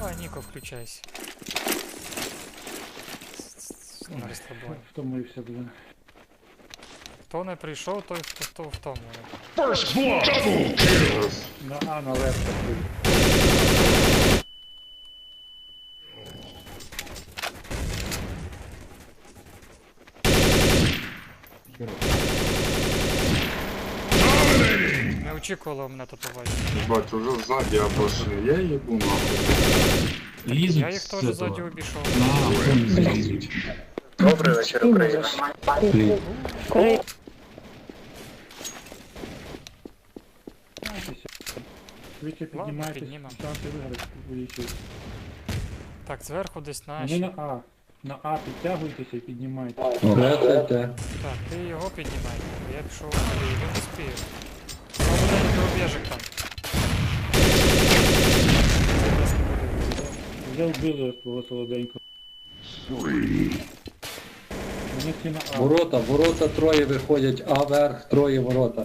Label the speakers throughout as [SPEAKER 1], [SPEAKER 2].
[SPEAKER 1] Давай, Ніко, включайся. На розслабоні.
[SPEAKER 2] Втомився, блин.
[SPEAKER 1] Хто не прийшов, той хто втомлений.
[SPEAKER 3] First blood. Double kill.
[SPEAKER 2] На А, на левка.
[SPEAKER 3] Dominating.
[SPEAKER 1] Не очікувало мене тут побачити.
[SPEAKER 4] Бать, уже сзади обошли. Я ебу нахуй.
[SPEAKER 5] Лізуть
[SPEAKER 1] Я їх теж ззаді обійшов.
[SPEAKER 5] на охорону лізуть.
[SPEAKER 6] Добрий вечір, Україна.
[SPEAKER 2] Швидше піднімайтесь,
[SPEAKER 1] піднімемо.
[SPEAKER 2] шанси виграти увеличують.
[SPEAKER 1] Так, зверху десь
[SPEAKER 2] Вони
[SPEAKER 1] наші.
[SPEAKER 2] на А. На А підтягуйтеся і піднімайтеся.
[SPEAKER 1] Так, ти його піднімай. Я пішов і не успію. Солоденький рубежик там. Зараз не буде.
[SPEAKER 2] Вже вбили свого солоденького. Вони всі на А.
[SPEAKER 7] Ворота троє виходять, А верх, троє ворота.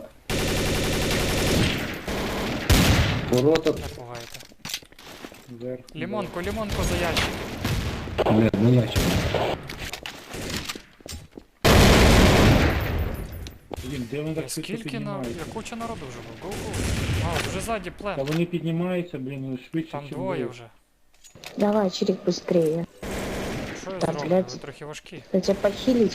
[SPEAKER 7] Ворота,
[SPEAKER 1] Не пугайте.
[SPEAKER 2] Вверх.
[SPEAKER 1] Лімонку за ящик.
[SPEAKER 7] не, не ящик.
[SPEAKER 2] Блін, де вони так швидко
[SPEAKER 1] Скільки на...
[SPEAKER 2] піднімаються?
[SPEAKER 1] Я куча народу вже був. Гоу-гоу. А, вже ззаді
[SPEAKER 2] Та
[SPEAKER 1] плен.
[SPEAKER 2] вони піднімаються, блін, швидше,
[SPEAKER 1] Там
[SPEAKER 2] чим
[SPEAKER 1] двоє
[SPEAKER 2] ви.
[SPEAKER 1] вже.
[SPEAKER 8] Давай, Чирик, быстрее.
[SPEAKER 1] Що я
[SPEAKER 8] Так,
[SPEAKER 1] зроблю?
[SPEAKER 8] блядь.
[SPEAKER 1] Ви трохи важкі.
[SPEAKER 8] Я тебя похилить